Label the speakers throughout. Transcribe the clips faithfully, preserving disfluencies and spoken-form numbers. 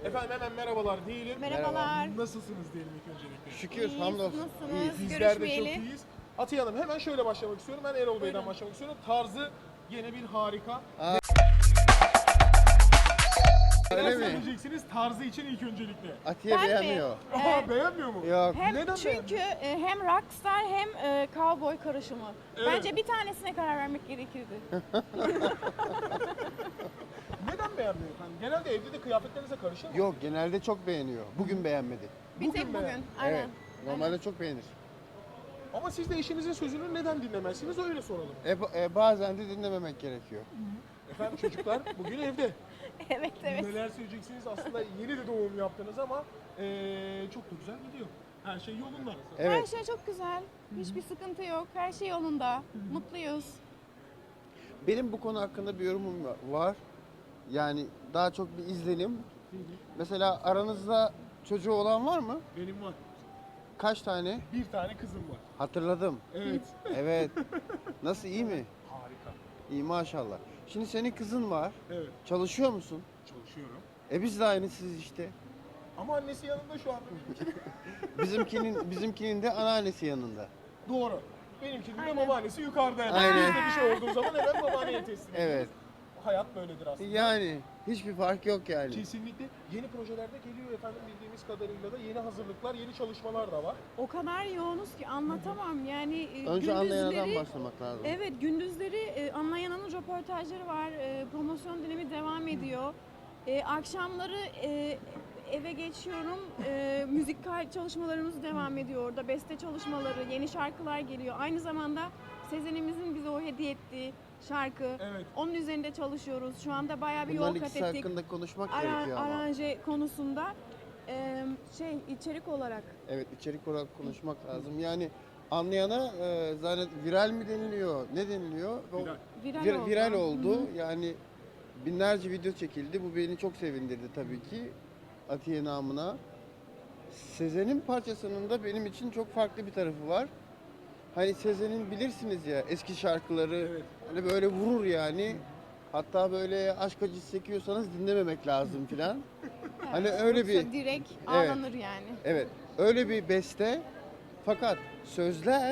Speaker 1: Efendim hemen merhabalar diyelim.
Speaker 2: Merhabalar.
Speaker 1: Nasılsınız diyelim ilk öncelikle.
Speaker 3: Şükür,
Speaker 2: İyiyiz,
Speaker 3: hamdolsun.
Speaker 2: nasılsınız?
Speaker 3: İyiyiz.
Speaker 1: Bizler de çok
Speaker 2: Görüşmeyeli.
Speaker 1: iyiyiz. Atiye Hanım hemen şöyle başlamak istiyorum. Ben Erol Bey'den
Speaker 2: Buyurun.
Speaker 1: başlamak istiyorum. Tarzı yine bir harika.
Speaker 3: Aa,
Speaker 1: Neler
Speaker 3: öyle mi?
Speaker 1: söyleyeceksiniz tarzı için ilk öncelikle?
Speaker 3: Atiye
Speaker 2: Ben mi?
Speaker 3: beğenmiyor.
Speaker 1: Aha
Speaker 2: Ee,
Speaker 1: beğenmiyor mu?
Speaker 3: Yok.
Speaker 2: Hem
Speaker 1: Neden
Speaker 2: çünkü e, hem rockstar hem e, cowboy karışımı.
Speaker 1: Evet.
Speaker 2: Bence bir tanesine karar vermek gerekirdi.
Speaker 1: Neden beğenmiyor efendim? Genelde evde de kıyafetlerinize karışır mı?
Speaker 3: Yok, genelde çok beğeniyor. Bugün beğenmedi.
Speaker 2: Bir
Speaker 1: Bugün
Speaker 2: tek
Speaker 1: beğen-
Speaker 2: bugün. Aynen.
Speaker 3: Evet. Normalde çok beğenir.
Speaker 1: Ama siz de eşinizin sözünü neden dinlemezsiniz öyle soralım.
Speaker 3: E, ba- e, bazen de dinlememek gerekiyor.
Speaker 1: Efendim çocuklar bugün evde.
Speaker 2: Evet evet.
Speaker 1: Neler söyleyeceksiniz? Aslında yeni de doğum yaptınız ama eee, çok da güzel gidiyor. Her şey yolunda.
Speaker 2: Her
Speaker 3: Evet.
Speaker 2: şey çok güzel. Hiçbir sıkıntı yok. Her şey yolunda. Mutluyuz.
Speaker 3: Benim bu konu hakkında bir yorumum va- var. Yani daha çok bir izlenim. Mesela aranızda çocuğu olan var mı?
Speaker 1: Benim var.
Speaker 3: Kaç tane?
Speaker 1: Bir tane kızım var.
Speaker 3: Hatırladım.
Speaker 1: Evet.
Speaker 3: Evet. Nasıl, iyi mi?
Speaker 1: Harika.
Speaker 3: İyi maşallah. Şimdi senin kızın var.
Speaker 1: Evet.
Speaker 3: Çalışıyor musun?
Speaker 1: Çalışıyorum.
Speaker 3: E biz de aynısıyız işte.
Speaker 1: Ama annesi yanında şu an.
Speaker 3: Bizimkinin bizimkinin de anneannesi yanında.
Speaker 1: Doğru. Benimkinin de
Speaker 2: Aynen.
Speaker 1: babaannesi yukarıda. Yani.
Speaker 3: Aynen.
Speaker 1: Bizde bir şey olduğu zaman hemen babaanneye teslim ediyoruz.
Speaker 3: Evet.
Speaker 1: Hayat böyledir aslında.
Speaker 3: Yani hiçbir fark yok yani.
Speaker 1: Kesinlikle. Yeni projelerde geliyor efendim bildiğimiz kadarıyla da yeni hazırlıklar, yeni çalışmalar da var.
Speaker 2: O kadar yoğunuz ki anlatamam. Yani e,
Speaker 3: Önce anlayandan
Speaker 2: gündüzleri
Speaker 3: başlamak lazım.
Speaker 2: Evet, gündüzleri e, Anlayana'nın röportajları var, e, promosyon dönemi devam ediyor. E, akşamları e, eve geçiyorum, e, müzikal çalışmalarımız devam ediyor orada, beste çalışmaları, yeni şarkılar geliyor. Aynı zamanda Sezen'imizin bize o hediye ettiği şarkı,
Speaker 1: Evet.
Speaker 2: onun üzerinde çalışıyoruz. Şu anda bayağı bir
Speaker 3: Bunların
Speaker 2: yol kat
Speaker 3: ikisi
Speaker 2: ettik.
Speaker 3: hakkında konuşmak
Speaker 2: Aran-
Speaker 3: gerekiyor ama.
Speaker 2: aranje konusunda e, şey içerik olarak.
Speaker 3: Evet, içerik olarak konuşmak lazım. Yani anlayana e, zannet viral mi deniliyor? Ne deniliyor? O-
Speaker 1: Viral.
Speaker 2: Viral
Speaker 3: vir-
Speaker 2: oldu.
Speaker 3: viral
Speaker 2: Hı
Speaker 3: oldu.
Speaker 2: hı.
Speaker 3: Yani binlerce video çekildi. Bu beni çok sevindirdi tabii ki. Atiye namına. Sezen'in parçasının da benim için çok farklı bir tarafı var. Hani Sezen'in bilirsiniz ya eski şarkıları
Speaker 1: Evet.
Speaker 3: hani böyle vurur yani. Hatta böyle aşk acısı çekiyorsanız dinlememek lazım filan. Hani öyle bir
Speaker 2: Yoksa direkt
Speaker 3: Evet.
Speaker 2: ağlanır yani.
Speaker 3: evet öyle bir beste. Fakat sözler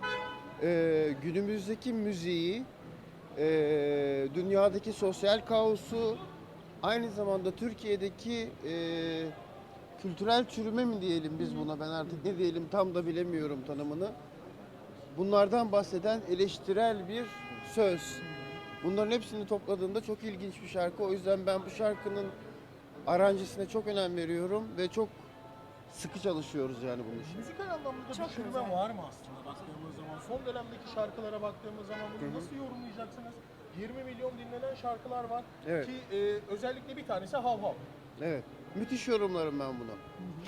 Speaker 3: e, günümüzdeki müziği, e, dünyadaki sosyal kaosu, aynı zamanda Türkiye'deki e, kültürel çürüme mi diyelim biz buna, ben artık ne diyelim tam da bilemiyorum tanımını. Bunlardan bahseden eleştirel bir söz. Bunların hepsini topladığında çok ilginç bir şarkı. O yüzden ben bu şarkının aranjesine çok önem veriyorum ve çok sıkı çalışıyoruz yani bunun için.
Speaker 1: Müzikal anlamda
Speaker 2: Çok
Speaker 1: bir çürüme
Speaker 2: güzel.
Speaker 1: var mı aslında baktığımız zaman? Son dönemdeki şarkılara baktığımız zaman bunu nasıl yorumlayacaksınız? yirmi milyon dinlenen şarkılar var
Speaker 3: Evet.
Speaker 1: ki e, özellikle bir tanesi Hav Hav.
Speaker 3: Evet. Müthiş yorumlarım ben bunu.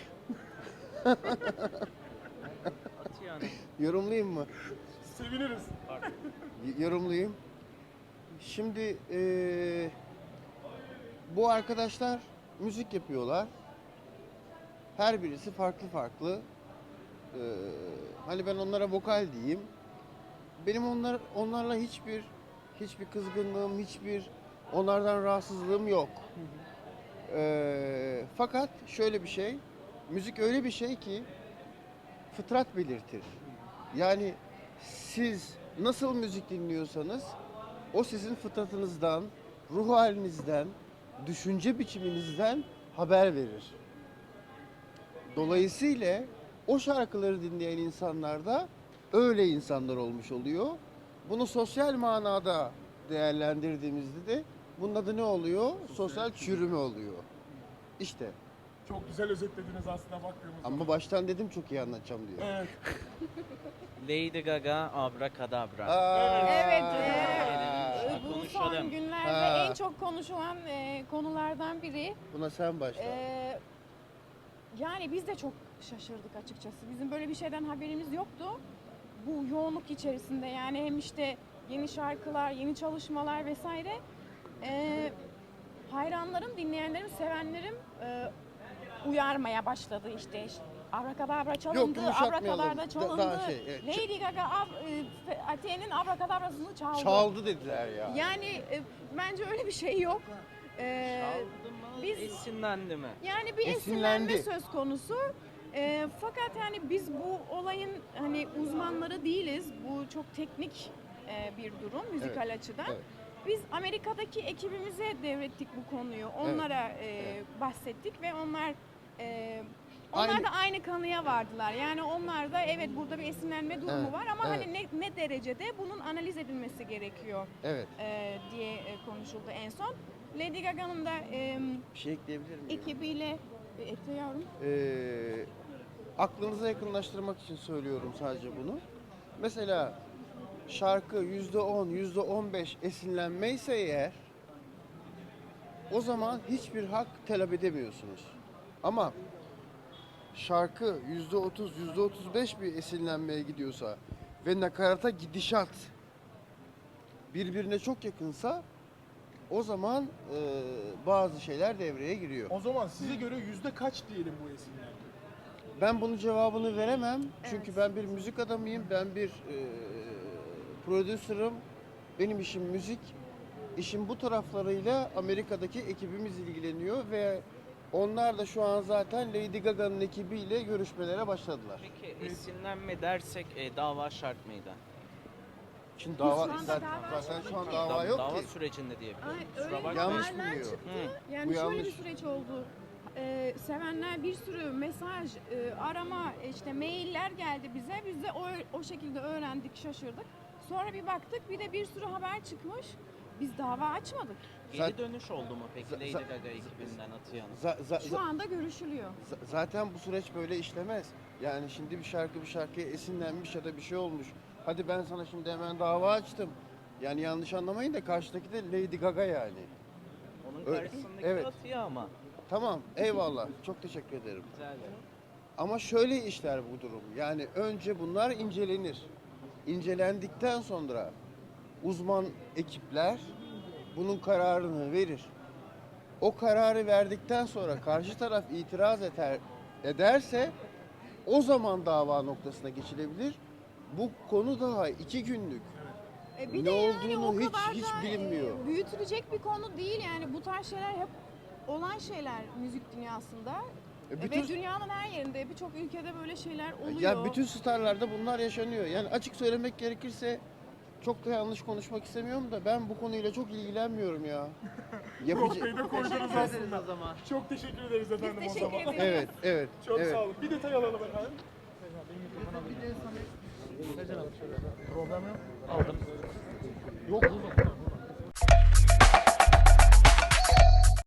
Speaker 4: Atiye Hanım.
Speaker 3: Yorumlayayım mı?
Speaker 1: Seviniriz.
Speaker 3: Y- Yorumlayayım. Şimdi eee, bu arkadaşlar müzik yapıyorlar. Her birisi farklı farklı. Eee, hani ben onlara vokal diyeyim. Benim onlar onlarla hiçbir hiçbir kızgınlığım, hiçbir onlardan rahatsızlığım yok. Eee, fakat şöyle bir şey, müzik öyle bir şey ki fıtrat belirtir. Yani siz nasıl müzik dinliyorsanız o sizin fıtratınızdan, ruh halinizden, düşünce biçiminizden haber verir. Dolayısıyla o şarkıları dinleyen insanlar da öyle insanlar olmuş oluyor. Bunu sosyal manada değerlendirdiğimizde de bunun adı ne oluyor? Sosyal çürüme oluyor. İşte.
Speaker 1: Çok güzel özetlediniz aslında baktığımız zaman.
Speaker 3: Ama baştan dedim çok iyi anlatacağım diyor.
Speaker 1: Evet.
Speaker 4: Lady Gaga Abracadabra.
Speaker 3: Aa.
Speaker 2: Evet,
Speaker 4: Ee,
Speaker 2: e, bu
Speaker 4: konuşalım.
Speaker 2: son günlerde
Speaker 3: Ha.
Speaker 2: en çok konuşulan e, konulardan biri.
Speaker 3: Buna sen başla.
Speaker 2: E, yani biz de çok şaşırdık açıkçası. Bizim böyle bir şeyden haberimiz yoktu. Bu yoğunluk içerisinde yani hem işte yeni şarkılar, yeni çalışmalar vesaire. E, hayranlarım, dinleyenlerim, sevenlerim e, uyarmaya başladı işte. Abrakadabra çalındı,
Speaker 3: yumuşatmayalım.
Speaker 2: abrakadabra
Speaker 3: Da-
Speaker 2: çalındı.
Speaker 3: daha şey, evet.
Speaker 2: Lady Gaga ab- e, Atiye'nin abrakadabrasını çaldı.
Speaker 3: Çaldı dediler ya.
Speaker 2: Yani e, bence öyle bir şey yok. E,
Speaker 4: Çaldı mı?
Speaker 2: Biz
Speaker 4: Esinlendi mi?
Speaker 2: yani bir
Speaker 3: Esinlendi.
Speaker 2: esinlenme söz konusu. Ee, fakat yani biz bu olayın hani uzmanları değiliz. Bu çok teknik e, bir durum müzikal açıdan.
Speaker 3: evet.
Speaker 2: Biz Amerika'daki ekibimize devrettik bu konuyu. Onlara e, bahsettik ve onlar e, onlar
Speaker 3: Aynı-
Speaker 2: da aynı kanıya vardılar. Yani onlar da evet burada bir esinlenme durumu
Speaker 3: Evet,
Speaker 2: var ama
Speaker 3: evet.
Speaker 2: hani ne, ne derecede bunun analiz edilmesi gerekiyor
Speaker 3: Evet.
Speaker 2: e, diye e, konuşuldu en son. Lady Gaga'nın da e,
Speaker 3: Bir şey ekleyebilir miyim?
Speaker 2: ekibiyle e, ekle yavrum.
Speaker 3: Ee, aklınıza yakınlaştırmak için söylüyorum sadece bunu. Mesela şarkı yüzde on, yüzde on beş esinlenmeyse eğer o zaman hiçbir hak talep edemiyorsunuz. Ama şarkı yüzde otuz, yüzde otuz beş bir esinlenmeye gidiyorsa ve nakarata gidişat birbirine çok yakınsa o zaman e, bazı şeyler devreye giriyor.
Speaker 1: O zaman size göre yüzde kaç diyelim bu esinlenme?
Speaker 3: Ben bunun cevabını veremem. Çünkü
Speaker 2: Evet.
Speaker 3: ben bir müzik adamıyım. Ben bir e, prodüsörüm. Benim işim müzik. İşin bu taraflarıyla Amerika'daki ekibimiz ilgileniyor ve onlar da şu an zaten Lady Gaga'nın ekibiyle görüşmelere başladılar.
Speaker 4: Peki esinlenme dersek e, dava şart mıydı?
Speaker 3: Şimdi
Speaker 2: Şu
Speaker 3: dava
Speaker 2: anda
Speaker 3: zaten,
Speaker 2: dava
Speaker 3: zaten şu an
Speaker 2: yok ki.
Speaker 3: dava yok
Speaker 4: dava
Speaker 3: ki.
Speaker 4: sürecinde diye biliyorum.
Speaker 2: Ay,
Speaker 4: Kusura
Speaker 2: öyle
Speaker 4: bakma.
Speaker 3: Yanlış
Speaker 2: haberler
Speaker 3: biliyor.
Speaker 2: çıktı.
Speaker 4: Hı.
Speaker 2: Yani
Speaker 3: Bu
Speaker 2: şöyle
Speaker 3: yanlış.
Speaker 2: bir süreç oldu. Ee, sevenler bir sürü mesaj, e, arama, işte mailler geldi bize. Biz de o, o şekilde öğrendik, şaşırdık. Sonra bir baktık, bir de bir sürü haber çıkmış. Biz dava açmadık.
Speaker 4: Geri
Speaker 3: Zaten-
Speaker 4: dönüş oldu mu peki
Speaker 3: za-
Speaker 4: Lady
Speaker 3: za-
Speaker 4: Gaga ekibinden Atiye Hanım?
Speaker 3: Za- za-
Speaker 2: Şu anda görüşülüyor.
Speaker 3: Z- Zaten bu süreç böyle işlemez. Yani şimdi bir şarkı bir şarkıya esinlenmiş ya da bir şey olmuş. Hadi ben sana şimdi hemen dava açtım. Yani yanlış anlamayın da karşıdaki de Lady Gaga yani.
Speaker 4: Onun
Speaker 3: Öyle.
Speaker 4: karşısındaki
Speaker 3: Evet.
Speaker 4: Atiye ama.
Speaker 3: Tamam, eyvallah. Çok teşekkür ederim.
Speaker 4: Güzel.
Speaker 3: Ama şöyle işler bu durum. Yani önce bunlar incelenir. İncelendikten sonra uzman ekipler bunun kararını verir. O kararı verdikten sonra karşı taraf itiraz eder, ederse o zaman dava noktasına geçilebilir. Bu konu daha iki günlük.
Speaker 2: E, bir
Speaker 3: Ne
Speaker 2: de yani
Speaker 3: olduğunu
Speaker 2: o
Speaker 3: hiç-
Speaker 2: kadar
Speaker 3: hiç
Speaker 2: da, e,
Speaker 3: bilinmiyor.
Speaker 2: büyütülecek bir konu değil yani. Bu tarz şeyler hep olan şeyler müzik dünyasında.
Speaker 3: E,
Speaker 2: E,
Speaker 3: bütün-
Speaker 2: Ve dünyanın her yerinde, birçok ülkede böyle şeyler oluyor.
Speaker 3: Ya bütün starlarda bunlar yaşanıyor. Yani açık söylemek gerekirse çok da yanlış konuşmak istemiyorum da ben bu konuyla çok ilgilenmiyorum ya. Yapıcı...
Speaker 1: Noktayı da koydunuz
Speaker 4: Teşekkür
Speaker 1: aslında.
Speaker 4: ederiz o zaman.
Speaker 1: Çok teşekkür ederiz efendim o
Speaker 2: teşekkür
Speaker 1: zaman.
Speaker 2: ederiz.
Speaker 3: Evet, evet.
Speaker 1: Çok
Speaker 3: evet.
Speaker 1: sağ olun. Bir detay alalım efendim. Bir de sana... Problem yok. Aldım. Yok buldum.